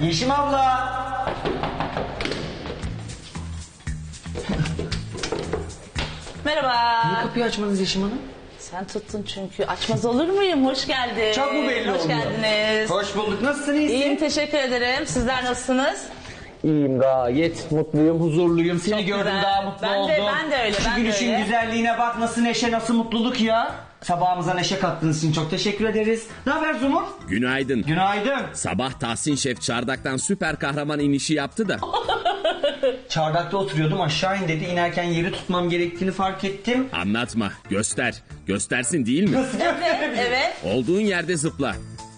Yeşim abla. Merhaba. Niye kapıyı açmadınız Yeşim Hanım? Sen tuttun çünkü. Açmaz olur muyum? Hoş geldin. Çok mu belli Hoş oldu? geldiniz. Hoş bulduk. Nasılsın, iyisin? İyiyim, teşekkür ederim. Sizler nasılsınız? İyiyim, gayet mutluyum, huzurluyum. Seni Çok gördüm, güzel. daha mutlu Ben de- oldum. ben de öyle, Şu ben de gülüşün öyle. güzelliğine bak, nasıl neşe, nasıl mutluluk ya. Sabahımıza neşe kattığınız için çok teşekkür ederiz. Ne haber Zumur? Günaydın. Günaydın. Sabah Tahsin Şef çardaktan süper kahraman inişi yaptı da. Çardakta oturuyordum, aşağı in dedi. İnerken yeri tutmam gerektiğini fark ettim. Anlatma, göster. Göstersin değil mi? Evet. Olduğun yerde zıpla.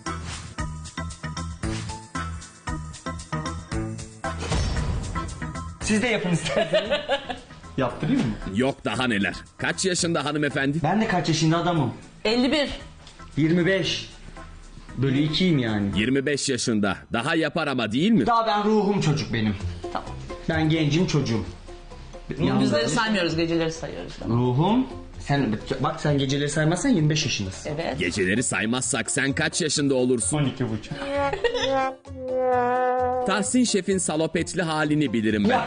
Siz de yapın isterseniz. Yaptırayım mı? Yok daha neler. Kaç yaşında hanımefendi? Ben de kaç yaşında adamım? 51. 25. Bölü 2'yim yani. 25 yaşında. Daha yapar ama değil mi? Daha ben ruhum çocuk benim. Tamam. Ben gencim, çocuğum. Gündüzleri saymıyoruz, geceleri sayıyoruz. Ruhum. Sen bak, sen geceleri saymazsan 25 yaşındasın. Evet. Geceleri saymazsak sen kaç yaşında olursun? 12,5. Tahsin Şef'in salopetli halini bilirim ben. Ya.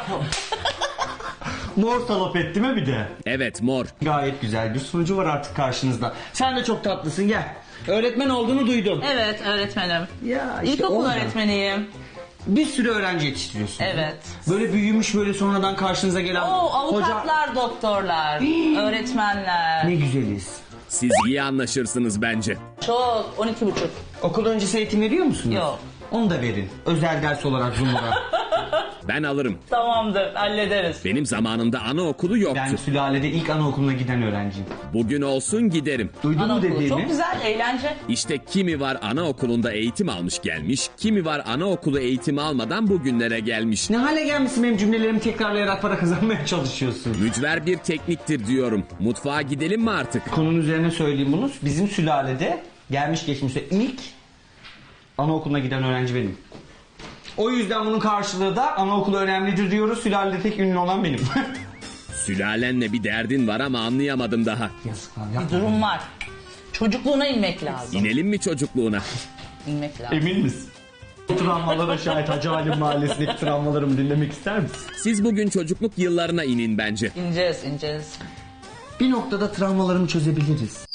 Mor salopet değil mi bir de? Evet mor. Gayet güzel bir sunucu var artık karşınızda. Sen de çok tatlısın, gel. Öğretmen olduğunu duydum. Evet, öğretmenim. Ya İlkokul oradan. öğretmeniyim. Bir sürü öğrenci yetiştiriyorsun. Evet. Böyle büyümüş, böyle sonradan karşınıza gelen Oo, avukatlar, doktorlar, öğretmenler. Ne güzeliz. Siz iyi anlaşırsınız bence. Çok. 12,5. Okul öncesi eğitim veriyor musunuz? Yok. Onu da verin. Özel ders olarak Zumur'a. Ben alırım. Tamamdır, hallederiz. Benim zamanımda anaokulu yoktu. Ben sülalede ilk anaokuluna giden öğrenciyim. Bugün olsun giderim. Duydun mu Anaokulu dediğimi? çok güzel, eğlence. İşte kimi var anaokulunda eğitim almış gelmiş, kimi var anaokulu eğitimi almadan bugünlere gelmiş. Ne hale gelmişsin, benim cümlelerimi tekrarlayarak para kazanmaya çalışıyorsun. Mücver bir tekniktir diyorum. Mutfağa gidelim mi artık? Konunun üzerine söyleyeyim bunu. Bizim sülalede gelmiş geçmişte ilk anaokuluna giden öğrenci benim. O yüzden bunun karşılığı da anaokulu önemlidir diyoruz. Sülalede tek ünlü olan benim. Sülalenle bir derdin var ama anlayamadım daha. Yazıklar Bir durum var. Çocukluğuna inmek lazım. İnelim mi çocukluğuna? İnmek lazım. Emin misin? Travmalara şahit Hacı Halim Mahallesi'ndeki travmalarımı dinlemek ister misin? Siz bugün çocukluk yıllarına inin bence. İneceğiz. Bir noktada travmalarımı çözebiliriz.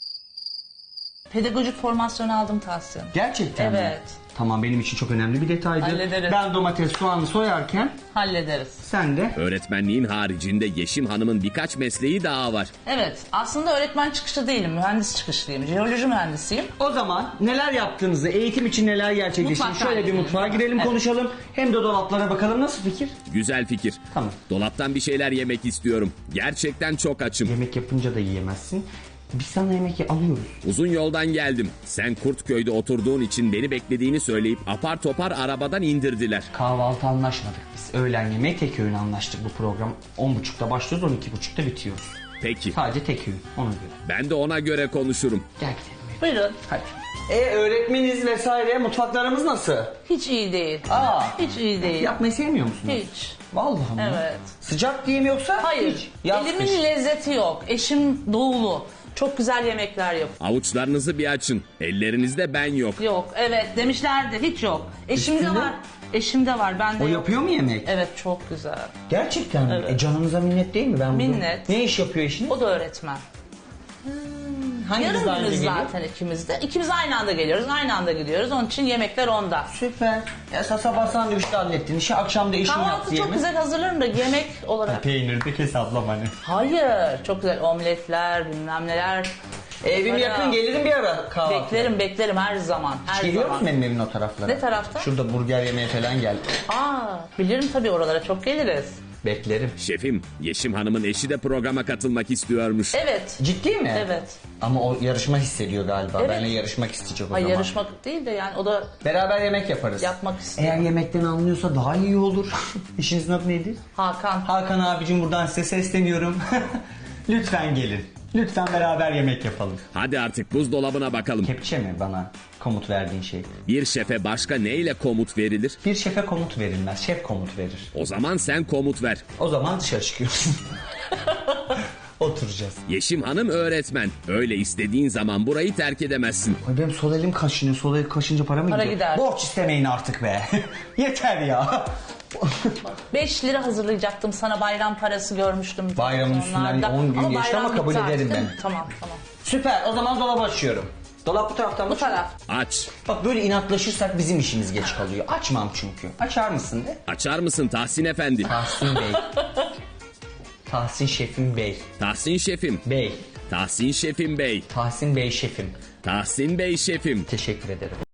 Pedagojik formasyonu aldım Tahsin. Gerçekten mi? Evet. Tamam, benim için çok önemli bir detaydı. Hallederiz. Ben domates, soğanı soyarken Hallederiz. sen de... Öğretmenliğin haricinde Yeşim Hanım'ın birkaç mesleği daha var. Evet, aslında öğretmen çıkışlı değilim, mühendis çıkışlıyım. Jeoloji mühendisiyim. O zaman neler yaptığınızı, eğitim için neler gerçekleştiğini Mutfaktan şöyle bir gidelim. mutfağa girelim, Evet. konuşalım. Hem de dolaplara bakalım, nasıl fikir? Güzel fikir. Tamam. Dolaptan bir şeyler yemek istiyorum. Gerçekten çok açım. Yemek yapınca da yiyemezsin. Biz sana yemek alıyoruz. Uzun yoldan geldim. Sen Kurtköy'de oturduğun için beni beklediğini söyleyip apar topar arabadan indirdiler. Kahvaltı anlaşmadık biz. Öğlen yemeği tek öğün anlaştık bu program. 10.30'da başlıyoruz, 12.30'da bitiyoruz. Peki. Sadece tek öğün, ona göre. Ben de ona göre konuşurum. Gel gidelim. Buyurun. Hadi. Öğretmeniz vesaire, mutfaklarımız nasıl? Hiç iyi değil. Aa. Hiç iyi değil. Yapmayı sevmiyor musunuz? Hiç. Vallahi mi? Evet. Sıcak diyeyim yoksa? Hayır. Hiç. Yaz, Elimin kış. lezzeti yok. Eşim doğulu. Çok güzel yemekler yapıyor. Avuçlarınızı bir açın. Ellerinizde ben yok. Yok, evet demişlerdi. Hiç yok. Eşimde Üstünde? var. Eşimde var. Bende O yok. yapıyor mu yemek? Evet, çok güzel. Gerçekten mi? Evet. Canınıza minnet değil mi? Ben bunu- Minnet. Ne iş yapıyor eşiniz? O da öğretmen. Hanginiz Yarım daha önce günüz geliyor? zaten ikimiz de. İkimiz aynı anda geliyoruz. Aynı anda gidiyoruz. Onun için yemekler onda. Süper. Ya sabah sandviçte hallettin. İşi akşam da eşin Kahvaltı yaptı çok yemek. güzel hazırlarım da yemek olarak. Peynir de kes ablam hani. Hayır. Çok güzel omletler, bilmem neler. Evim Para. yakın, gelirim bir ara kahvaltı. Beklerim her zaman. Her Geliyor zaman. musun benim evin o taraflara? Ne tarafta? Şurada burger yemeye falan gel. Aa, bilirim tabii, oralara çok geliriz. Beklerim. Şefim, Yeşim Hanım'ın eşi de programa katılmak istiyormuş. Evet. Ciddi mi? Evet. Ama o yarışma hissediyor galiba. Evet. Benimle yarışmak isteyecek o Hayır, zaman. yarışmak değil de yani o da Beraber yemek yaparız. yapmak istiyor. Eğer yemekten anlıyorsa daha iyi olur. İşinizin adı neydi? Hakan. Hakan abicim, buradan size sesleniyorum. Lütfen gelin. Lütfen beraber yemek yapalım. Hadi artık buzdolabına bakalım. Kepçe mi bana komut verdiğin şey? Bir şefe başka neyle komut verilir? Bir şefe komut verilmez. Şef komut verir. O zaman sen komut ver. O zaman dışarı çıkıyorsun. Otur. oturacağız. Yeşim Hanım öğretmen. Öyle istediğin zaman burayı terk edemezsin. Ay benim sol elim kaşınıyor. Sol elim kaşınca para mı Para gidiyor? gider. Borç istemeyin artık be. Yeter ya. 5 lira hazırlayacaktım sana, bayram parası görmüştüm. Bayramın üstünden Onlarda. 10 gün geçti ama bayram kabul bitti ederim artık, değil ben. mi? Tamam tamam. Süper. O zaman dolabı açıyorum. Dolap bu taraftan mı? Bu taraf. Aç. Bak böyle inatlaşırsak bizim işimiz geç kalıyor. Açmam çünkü. Açar mısın de? Açar mısın Tahsin Efendi? Tahsin Bey. Tahsin Şefim Bey. Tahsin Şefim. Bey. Tahsin Şefim Bey. Tahsin Bey Şefim. Tahsin Bey Şefim. Teşekkür ederim.